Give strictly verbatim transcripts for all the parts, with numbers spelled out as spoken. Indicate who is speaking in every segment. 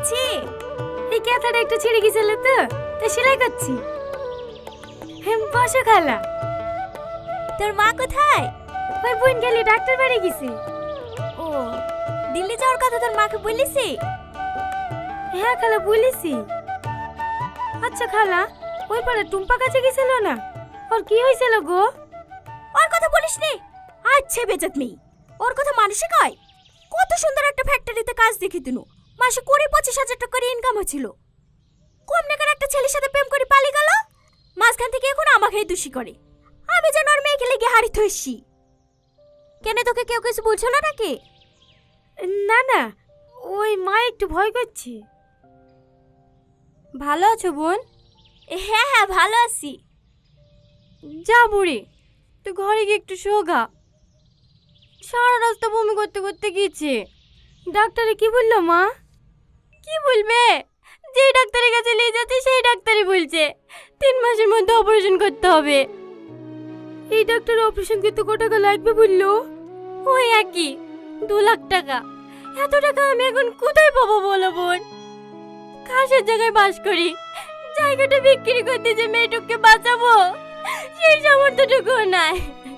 Speaker 1: করছি? এই কেতাটা একটু ছিঁড়ে গেছিল তো, তাই সেলাই করছি। হেম বসো খালা। তোর মা কোথায়? ওই বোন গেলে ডাক্তার বাড়ি গেছে। ও, দিল্লি যাওয়ার কথা তোর মাকে বলিসি? হ্যাঁ খালা বলিসি। আচ্ছা খালা, ওই পাড়া টুম্পা কাছে গেছিল না, ওর কি হয়েছিল গো? ওর কথা বলিস নি। আচ্ছা বেজাত মেয়ে, ওর কথা মানুষে কয়? কত সুন্দর একটা ফ্যাক্টরিতে কাজ দেখি তুনু, মাসে কুড়ি পঁচিশ হাজার টাকা করে ইনকাম হচ্ছিল। কম টাকার একটা ছেলের সাথে প্রেম করে পালিয়ে গেল, মাঝখান থেকে এখন আমাকেই দোষী করে। আমি যেন ওর মেয়েকে লেগে হারিয়ে থইছি। কেন, তোকে কেউ কিছু বলছিল নাকি? না না, ওই মা একটু ভয় করছে। ভালো আছো বোন? হ্যাঁ হ্যাঁ ভালো আছি। যা বুড়ি, তুই ঘরে গিয়ে একটু শোগা। সারা রাস্তা বমি করতে করতে গিয়েছে। ডাক্তারে কি বললো মা? কি বলবে, যে ডাক্তারের কাছে নিয়ে যাচ্ছে সেই ডাক্তারই বলছে তিন মাসের মধ্যে অপারেশন করতে হবে। এই ডাক্তার অপারেশন করতে কত টাকা লাগবে বললো? ওই একই দু লাখ টাকা। এত টাকা আমি এখন কোথায় পাবো বলো বোন? কাশের জায়গায় বাস করি, জায়গাটা বিক্রি করতে যে মেয়েটুককে বাঁচাবো সেই সামর্থ্যটুকু নাই।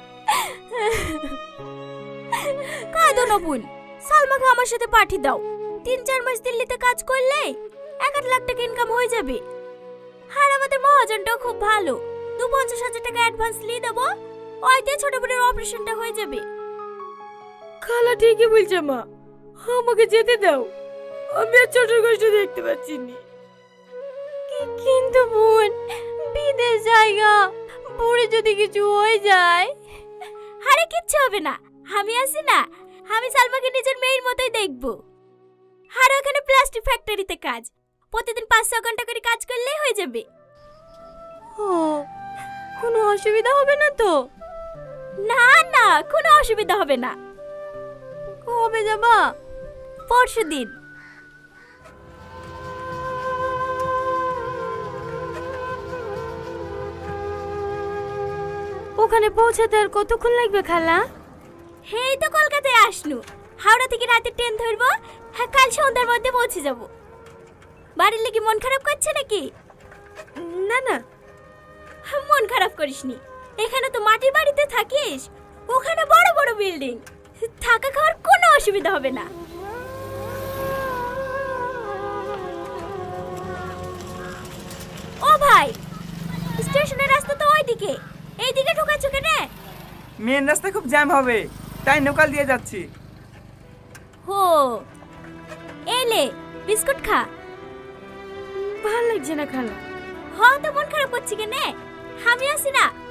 Speaker 1: কাঁদো না বোন, সালমাকে আমার সাথে পাঠিয়ে দাও। তিন চার মাস দিল্লিতে কাজ করলে এক আধ লাখ টাকা ইনকাম হয়ে যাবে। আর আমাদের মহাজনটাও খুব ভালো, দু পঞ্চাশ হাজার টাকা অ্যাডভান্স নিয়ে দেবো, ওইতে ছোট বোনের অপারেশনটা হয়ে যাবে। খালা ঠিকই বলছে মা, আমাকে যেতে দাও, আমি আর ছোট কষ্ট দেখতে পাচ্ছি না। কিন্তু বোন, বিদেশ জায়গা, বুড়ি যদি কিছু হয়ে যায়। আরে কিচ্ছু হবে না, আমি আছি না। আমি সালমাকে নিজের মেয়ের মতোই দেখবো। আর ওখানে প্লাস্টিক ফ্যাক্টরিতে কাজ, প্রতিদিন পাঁচ ছ ঘন্টা করে কাজ করলেই হয়ে যাবে। ও, কোনো অসুবিধা হবে না তো? না না, কোনো অসুবিধা হবে না। কবে যাবা? পরশু দিন। ওখানে পৌঁছাতে আর কতক্ষণ লাগবে খালা? হেই তো কলকাতায় আসনু, হাওড়া থেকে রাতে ট্রেন ধরবো, হ্যাঁ কাল সন্ধ্যার মধ্যে পৌঁছে যাব। বাড়ির লেগে মন খারাপ করছে নাকি? না না, মন খারাপ করিসনি। এখানে তো মাটির বাড়িতে থাকিস, ওখানে বড় বড় বিল্ডিং, থাকা খাওয়ার কোনো অসুবিধা হবে না। ও ভাই, স্টেশনের রাস্তা তো ওইদিকে, এইদিকে ঢোকাচ্ছ কেন?
Speaker 2: মেন রাস্তা খুব জ্যাম হবে, তাই লোকাল দিয়ে যাচ্ছি।
Speaker 1: হো, এলে বিস্কুট খা। ভালো লাগছে না খালা। হ্যাঁ তো মন খারাপ করছি কেন? আমি আছি না,